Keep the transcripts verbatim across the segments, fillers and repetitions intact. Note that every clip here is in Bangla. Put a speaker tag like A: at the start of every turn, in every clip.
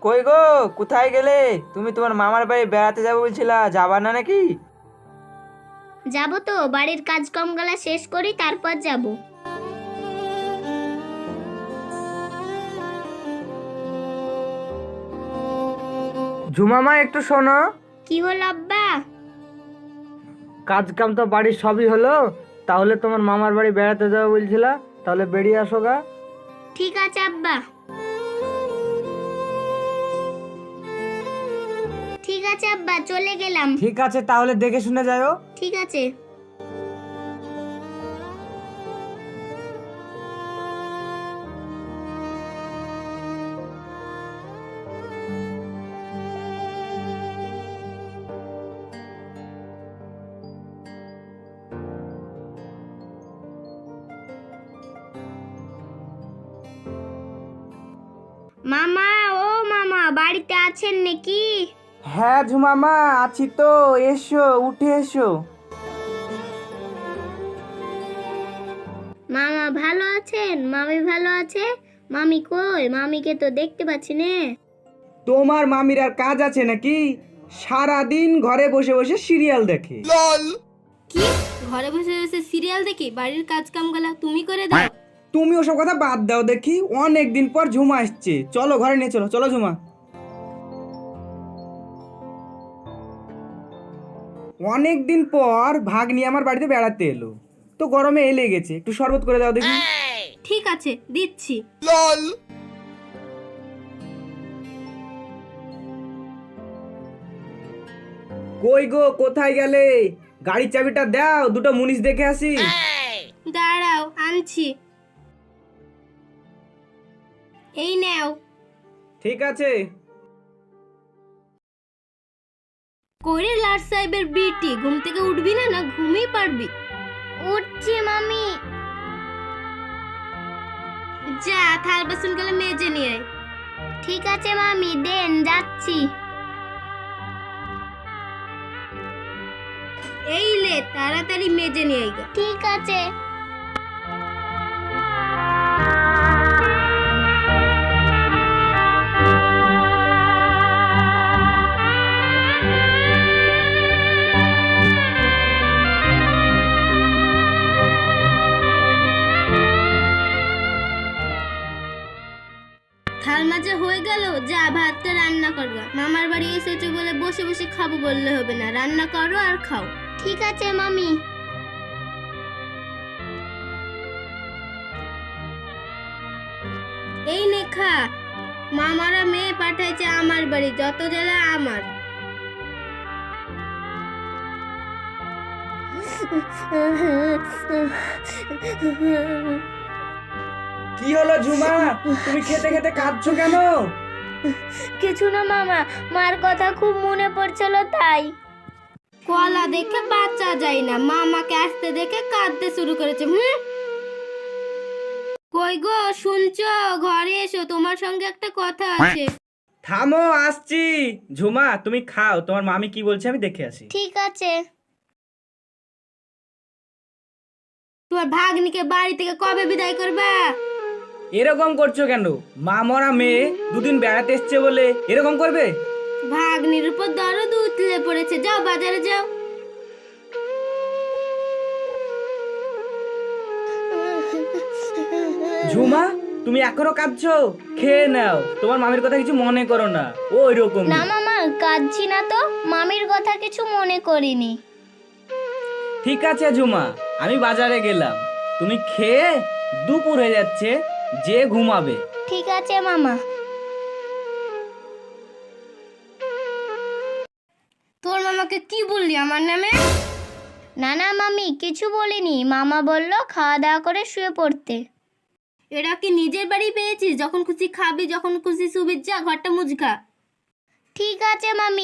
A: কই গো, কোথায় গেলে? তুমি তোমার মামার বাড়ি বেড়াতে যাবো বলছিলা, যাবা না নাকি?
B: যাবো তো, বাড়ির কাজকর্মগুলো শেষ করি তারপর যাব।
A: ঝুমামা একটু শোনো।
B: কি হলো আব্বা?
A: কাজ কাম তো বাড়ির সবই হলো, তাহলে তোমার মামার বাড়ি বেড়াতে যাবো বলছিলা, তাহলে বেরিয়ে আসো গা।
B: ঠিক আছে আব্বা। ঠিক আছে আব্বা, চলে গেলাম।
A: ঠিক আছে, তাহলে দেখে শুনে যাও।
B: ঠিক আছে। মামা, ও মামা, বাড়িতে আছেন নাকি?
A: হ্যাঁ ঝুমামা, আছি তো, এসো, উঠে এসো।
B: মামা ভালো আছেন? মামি ভালো আছে? মামি কই? মামিকে তো দেখতে পাচ্ছি না।
A: তোমার মামির আর কাজ আছে নাকি? সারাদিন ঘরে বসে বসে সিরিয়াল দেখে।
C: কি? ঘরে বসে বসে সিরিয়াল দেখি? বাড়ির কাজ কামগুলা তুমি করে দাও?
A: তুমি ওসব কথা বাদ দাও দেখি, অনেক দিন পর ঝুমা আসছে, চলো ঘরে নিয়ে চলো। চলো ঝুমা। অনেক দিন পর ভাগ্নি আমার বাড়িতে বেড়াতে এলো, তো গরমে এলে গেছে, একটু শরবত করে দাও দেখি।
C: ঠিক আছে, দিচ্ছি।
A: কই গো, কোথায় গেলে? গাড়ির চাবিটা দাও, দুটো মুনিশ দেখে আসি।
C: দাঁড়াও, আনছি। এই নাও।
A: ঠিক আছে।
C: করে লাট সাহেবের বিটি, ঘুম থেকে উঠবি না? না ঘুমিয়ে পারবি?
B: উঠছি মামি।
C: যা, থাল বাসন গুলো মেজে নিয়ে আয়।
B: ঠিক আছে মামি, দেন, যাচ্ছি।
C: এই লে, তাড়াতাড়ি মেজে নিয়ে আয় গা।
B: ঠিক আছে।
C: থাল মাজা হয়ে গেল, যা ভাতটা রান্না করবা। মামার বাড়ি এসেছো বলে বসে বসে খাবো বললে হবে না, রান্না করো আর খাও।
B: ঠিক আছে মামি।
C: এই নে খা। মামারা মেয়ে পাঠাইছে আমার বাড়ি, যত জ্বালা আমার।
A: কি হলো ঝুমা, তুমি খেতে খেতে কাঁদছো কেন?
B: কিছু না মামা, মার কথা খুব মনে পড়ছিল তাই।
C: কলা দেখে বাচ্চা যায় না, মামাকে আসতে দেখে কাঁদতে শুরু করেছে। হুম, কই গো, শুনছো? ঘরে এসো, তোমার সঙ্গে একটা কথা আছে।
A: থামো, আসছি। ঝুমা তুমি খাও, তোমার মামি কি বলছে আমি দেখে আসি।
B: ঠিক আছে।
C: তোমার ভাগ্নিকে বাড়ি থেকে কবে বিদায় করবা?
A: এরকম করছো কেন? মা মরা মেয়ে দুদিন বেড়াতে এসছে বলে এরকম করবে?
C: ভাগ্নির উপর দরদ উতলে পড়েছে, যাও বাজারে যাও।
A: ঝুমা, তুমি এখনো কাঁদছো? খেয়ে নাও, তোমার মামির কথা কিছু মনে করো না, ও ওইরকম।
B: না মামা, কাঁদছি না তো, মামির কথা কিছু মনে করিনি।
A: ঠিক আছে ঝুমা, আমি বাজারে গেলাম, তুমি খেয়ে, দুপুর হয়ে যাচ্ছে, যে ঘুমাবে।
B: ঠিক আছে মামা।
C: তোর মামাকে কি বললি আমার নামে?
B: না না মামি, কিছু বলিনি। মামা বলল খাওয়া দাওয়া করে শুয়ে পড়তে।
C: এরা কি নিজের বাড়ি পেয়েছিস? যখন খুশি খাবি, যখন খুশি শুবি, যা ঘরটা মুজকা।
B: ঠিক আছে মামি।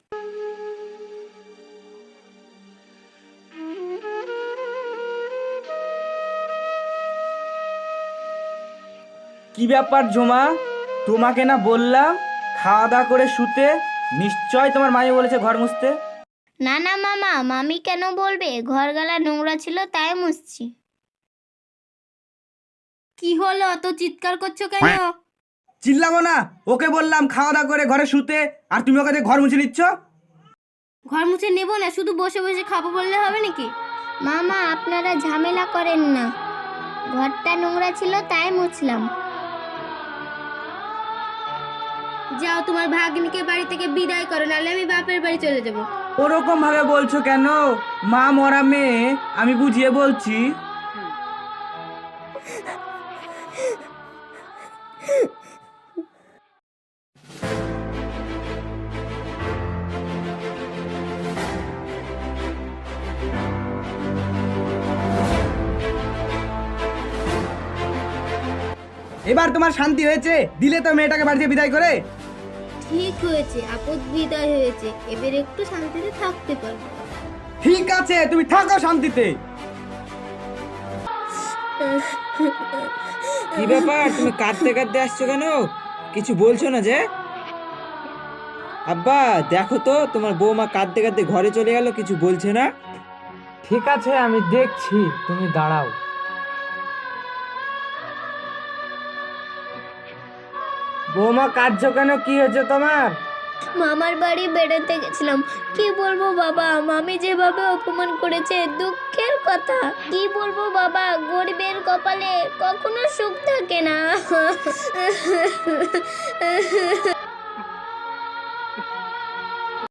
A: কি ব্যাপার ঝুমা, তোমাকে না বললাম খাওয়া দাওয়া করে শুতে? নিশ্চয় তোমার মামি বলেছে ঘর মুছতে।
B: না না মামা, মামি কেন বলবে? ঘরগালা নোংরা ছিল তাই মুছছি।
C: কি হলো, তো চিৎকার করছো কেন?
A: চিল্লাবো না, ওকে বললাম খাওয়া দাওয়া করে ঘরে শুতে, আর তুমি ওকে দিয়ে ঘর মুছে নিচ্ছ।
C: ঘর মুছে নেবো না, শুধু বসে বসে খাবো বললে হবে নাকি?
B: মামা আপনারা ঝামেলা করেন না, ঘরটা নোংরা ছিল তাই মুছলাম।
C: যাও তোমার ভাগ্নিকে বাড়ি থেকে বিদায় করো, নাহলে আমি বাপের বাড়ি চলে যাব।
A: ওরকম ভাবে বলছো কেন? মা মরা মেয়ে, আমি বুঝিয়ে বলছি। এবার তোমার শান্তি হয়েছে? দিলে তো মেয়েটাকে বাড়ি থেকে বিদায় করে।
C: ঠিক হয়েছে, আপদ বিদায় হয়েছে, এবার একটু শান্তিতে থাকতে পারবো।
A: ঠিক আছে, তুমি থাকো শান্তিতে।
D: কি ব্যাপার, তুমি কাঁদতে কাঁদতে আসছো কেন? কিছু বলছো না যে? আব্বা দেখো তো, তোমার বৌমা কাঁদতে কাঁদতে ঘরে চলে গেল, কিছু বলছে না।
E: ঠিক আছে, আমি দেখছি, তুমি দাঁড়াও। বৌমা কাঁদছো কেন? কি হয়েছে তোমার?
B: মামার বাড়ি বেড়াতে গেছিলাম, কি বলবো বাবা, মামি যেভাবে অপমান করেছে, দুঃখের কথা। কি বলবো বাবা, গরিবের কপালে কখনো সুখ থাকে না।